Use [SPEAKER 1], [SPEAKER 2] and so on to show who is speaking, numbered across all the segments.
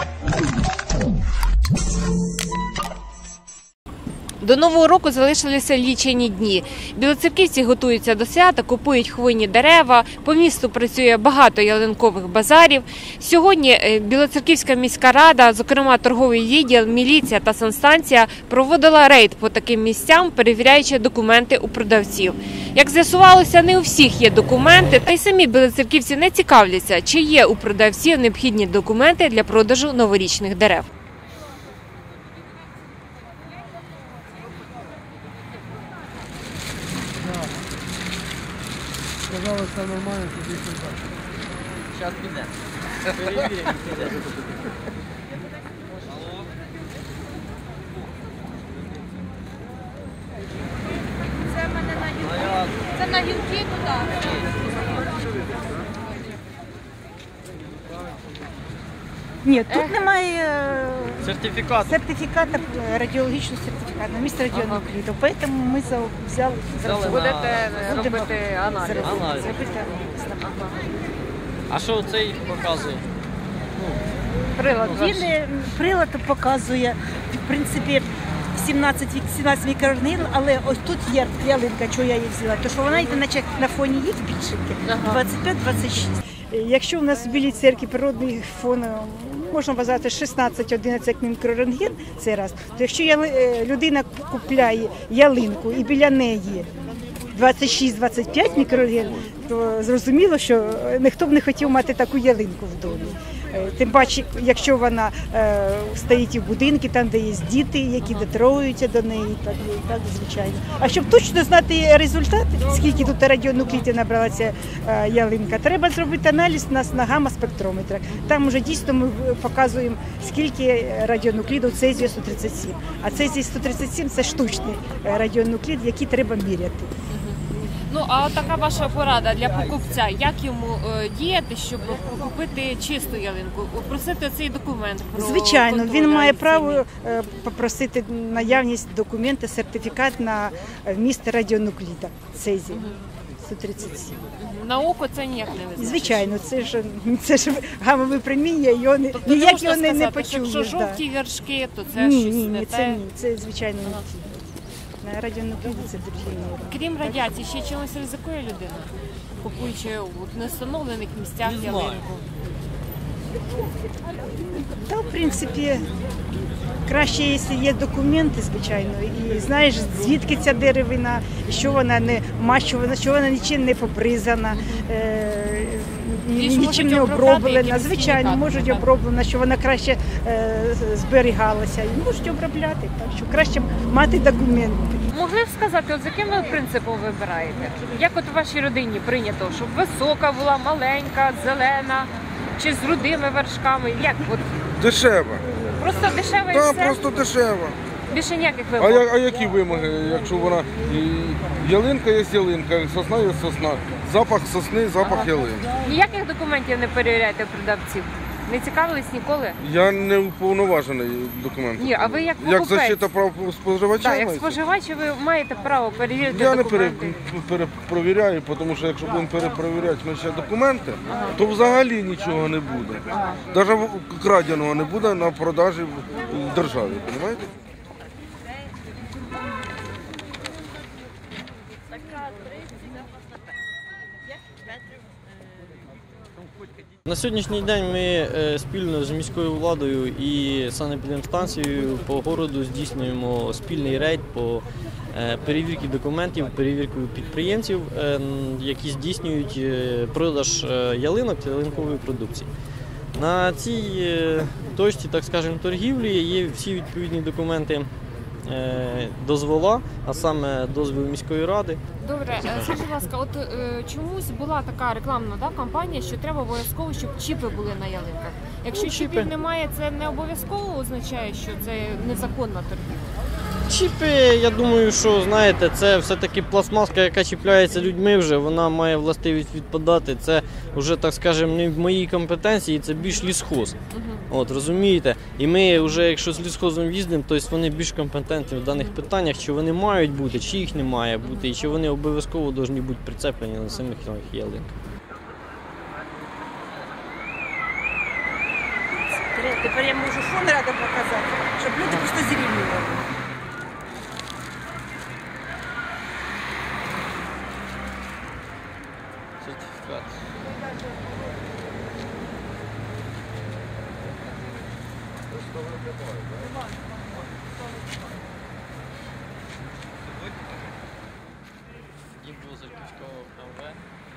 [SPEAKER 1] До Нового року залишилися лічені дні. Білоцерківці готуються до свята, купують хвойні дерева, по місту працює багато ялинкових базарів. Сьогодні Білоцерківська міська рада, зокрема торговий відділ, міліція та санстанція, проводила рейд по таким місцям, перевіряючи документи у продавців. Як з'ясувалося, не у всіх є документи, та й самі білоцерківці не цікавляться, чи є у продавців необхідні документи для продажу новорічних дерев.
[SPEAKER 2] Сказали, все нормально, тоді сюди.
[SPEAKER 3] Зараз піде. Перевіримо, піде.
[SPEAKER 4] Це в мене на гілки. Це на гілки туди.
[SPEAKER 5] Ні, тут немає
[SPEAKER 3] Сертифікат.
[SPEAKER 5] радіологічного сертифікату, місце радіонукліду. Тому ми взяли
[SPEAKER 1] Будете робити аналіз.
[SPEAKER 3] А що цей показує?
[SPEAKER 1] Прилад ваш.
[SPEAKER 5] Прилад показує, в принципі, 17 мікрорентген, але ось тут є ялинка, чого я її взяла, тому що вона йде наче на фоні їх більшеньки, 25-26. Якщо у нас в Білій церкві природний фон, можна вважати 16-11 мікрорентген, це раз, то якщо людина купляє ялинку і біля неї 26-25 мікрорентген, то зрозуміло, що ніхто б не хотів мати таку ялинку в домі. Тим паче, якщо вона стоїть і в будинку, там, де є діти, які дотрогуються до неї, так звичайно. А щоб точно знати результат, скільки тут радіонуклідів набралася ялинка, треба зробити аналіз на гамма-спектрометрах. Там вже дійсно ми показуємо, скільки радіонуклідів цезію 137. А цезій 137 – це штучний радіонуклід, який треба міряти.
[SPEAKER 1] Ну, а така ваша порада для покупця, як йому діяти, щоб купити чисту ялинку, просити цей документ?
[SPEAKER 5] Звичайно, він має право попросити наявність документа, сертифікат на вміст радіонукліда цезію 137.
[SPEAKER 1] На око це ніяк не визначить?
[SPEAKER 5] Звичайно, це ж гамове проміння, ніяк його не почуєш.
[SPEAKER 1] Якщо жовті вершки, то це щось не те?
[SPEAKER 5] Ні, це звичайно не ті. На радіонукліді це другі норми.
[SPEAKER 1] Крім радіації, ще чимось ризикує людина, купуючи в невстановлених місцях ялинку?
[SPEAKER 5] Та, в принципі, краще, якщо є документи, звичайно, і знаєш, звідки ця деревина, що вона не мащувана, що вона нічим не побризана, нічим не оброблена. Звичайно, можуть оброблена, що вона краще зберігалася. І можуть обробляти, так що краще мати документи.
[SPEAKER 1] Могли б сказати, з яким ви принципом вибираєте? Як от у вашій родині прийнято, щоб висока була, маленька, зелена, чи з рудими вершками? Як? От
[SPEAKER 2] Дешево.
[SPEAKER 1] просто дешево і
[SPEAKER 2] Так,
[SPEAKER 1] все?
[SPEAKER 2] просто дешево.
[SPEAKER 1] Більше ніяких вимог?
[SPEAKER 2] А які вимоги, якщо вона ялинка є ялинка, сосна є сосна, запах сосни, запах ялинки.
[SPEAKER 1] Ніяких документів не перевіряєте продавців? Не цікавились ніколи?
[SPEAKER 2] Я не уповноважений документом.
[SPEAKER 1] Ні, а ви як
[SPEAKER 2] Як
[SPEAKER 1] покупець?
[SPEAKER 2] защита прав споживача?
[SPEAKER 1] Так, як
[SPEAKER 2] мається?
[SPEAKER 1] споживач ви маєте право перевірити
[SPEAKER 2] Я не
[SPEAKER 1] документи.
[SPEAKER 2] перепровіряю, тому що якщо будемо перепровіряти ми ще документи, то взагалі нічого не буде. Навіть краденого не буде на продажі в державі, розумієте?
[SPEAKER 3] На сьогоднішній день ми спільно з міською владою і санепідемстанцією по городу здійснюємо спільний рейд по перевірці документів, перевірку підприємців, які здійснюють продаж ялинок та ялинкової продукції. На цій точці, так скажемо, торгівлі є всі відповідні документи дозвола, а саме дозвіл міської ради.
[SPEAKER 1] Добре, скажіть, будь ласка, от чомусь була така рекламна кампанія, що треба обов'язково, щоб чіпи були на ялинках. Якщо чіпів немає, це не обов'язково означає, що це незаконна торгівля?
[SPEAKER 3] Чіпи, я думаю, що, знаєте, це все-таки пластмаска, яка чіпляється людьми вже, вона має властивість відпадати. Це вже, так скажемо, не в моїй компетенції, це більш лісхоз. От, розумієте? І ми вже, якщо з лісхозом їздимо, то вони більш компетентні в даних питаннях, чи вони мають бути, чи їх не має бути, і чи вони обов'язково повинні бути прицеплені на самих ялинках.
[SPEAKER 5] Тепер я можу фон рядом показати, щоб люди просто зрівнювали.
[SPEAKER 3] Сертифікат. Дім Білоцерківського МВ.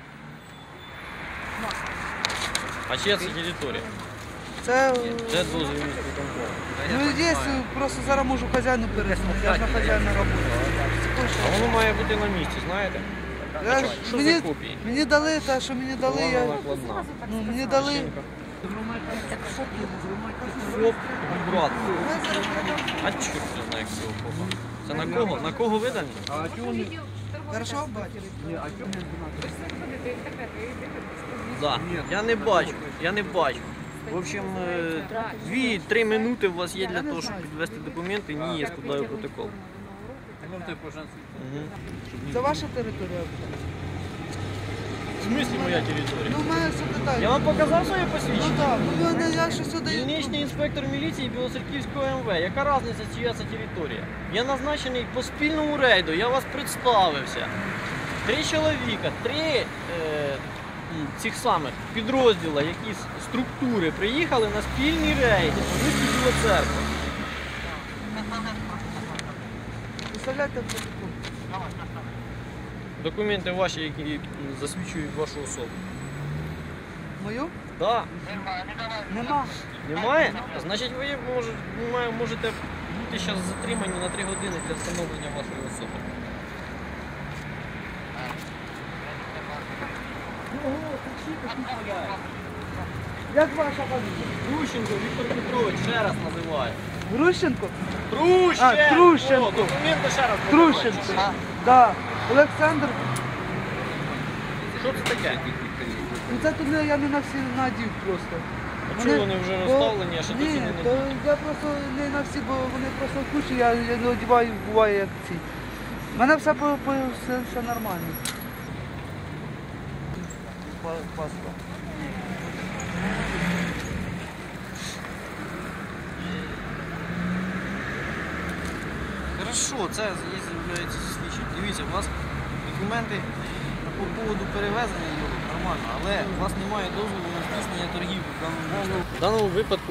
[SPEAKER 3] А чия це територія?
[SPEAKER 6] Це
[SPEAKER 3] Де дозвіл міського контролю?
[SPEAKER 6] ну, є, просто зараз можу хазяїну переснути. Я ж на хазяїна роботу.
[SPEAKER 3] А воно має бути на місці, знаєте?
[SPEAKER 6] Я ж-
[SPEAKER 3] Що
[SPEAKER 6] мені,
[SPEAKER 3] за копії?
[SPEAKER 6] мені дали те, що мені дали.
[SPEAKER 3] Вона
[SPEAKER 6] Я,
[SPEAKER 3] накладна.
[SPEAKER 6] ну, мені дали.
[SPEAKER 3] ФОП брат. А чорт не знає, як цього ФОПа. Це на кого? На кого видані?
[SPEAKER 6] Хорошо, бачиш?
[SPEAKER 3] Да. Я не бачу. В общем, 2-3 минути у вас є для того, щоб підвести документи. Ні, я складаю протокол. Мгм.
[SPEAKER 6] Це ваша територія?
[SPEAKER 3] В смислі моя територія?
[SPEAKER 6] Ну, в мене все
[SPEAKER 3] Я
[SPEAKER 6] питання.
[SPEAKER 3] вам показав своє
[SPEAKER 6] Ну
[SPEAKER 3] посвідчення?
[SPEAKER 6] так, ну я що сюди.
[SPEAKER 3] Дільничний інспектор міліції Білоцерківського МВ. Яка різниця, чия це територія? Я назначений по спільному рейду, я вас представився. 3 чоловіка, 3 цих самих підрозділа, якісь структури приїхали на спільні рейди по місту Біла Церква.
[SPEAKER 6] Представляєте протокол?
[SPEAKER 3] Документи ваші, які засвідчують вашу особу.
[SPEAKER 6] Мою?
[SPEAKER 3] Так.
[SPEAKER 6] Нема.
[SPEAKER 3] Немає? Значить, ви можете бути зараз затримані на 3 години для встановлення вашої особи.
[SPEAKER 6] Як ваша фамілія?
[SPEAKER 3] Трущенко Віктор Петрович, ще раз називаю.
[SPEAKER 6] Грущенко?
[SPEAKER 3] Трущенко!
[SPEAKER 6] А, Трущенко.
[SPEAKER 3] О, документи ще раз називаю.
[SPEAKER 6] Трущенко. Да. Олександр.
[SPEAKER 3] Що це таке?
[SPEAKER 6] Ну це тут я не на всі надів просто.
[SPEAKER 3] А чого вони вже розставлені, а ще
[SPEAKER 6] Ні,
[SPEAKER 3] досі не
[SPEAKER 6] то я просто не на всі, бо вони просто в кучі, я не одягаю, буває як ці. У мене все нормально. Паспорт.
[SPEAKER 3] Хорошо, це з'являється свідчення. Дивіться, у вас документи по поводу перевезення його нормально, але у вас немає дозволу на здійснення торгівлі в даному місці. В даному випадку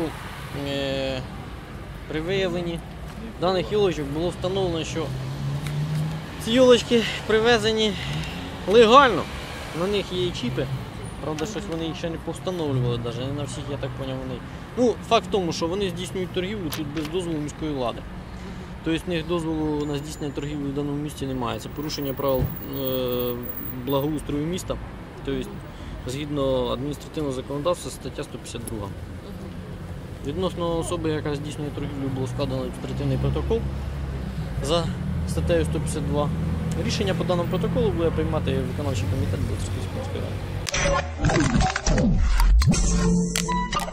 [SPEAKER 3] при виявленні даних йолочок було встановлено, що ці йолочки привезені легально. На них є і чіпи. Правда, щось вони їх ще не повстановлювали, навіть не на всіх, я так зрозумів, вони. Ну, факт в тому, що вони здійснюють торгівлю тут без дозволу міської влади. Тобто в них дозволу на здійснення торгівлі в даному місті немає. Це порушення правил благоустрою міста. Тобто, згідно адміністративного законодавства, стаття 152. Відносно особи, яка здійснює торгівлю, було складено адміністративний протокол за статтею 152. Рішення по даному протоколу буде приймати виконавчий комітет Білоцерківської міської ради.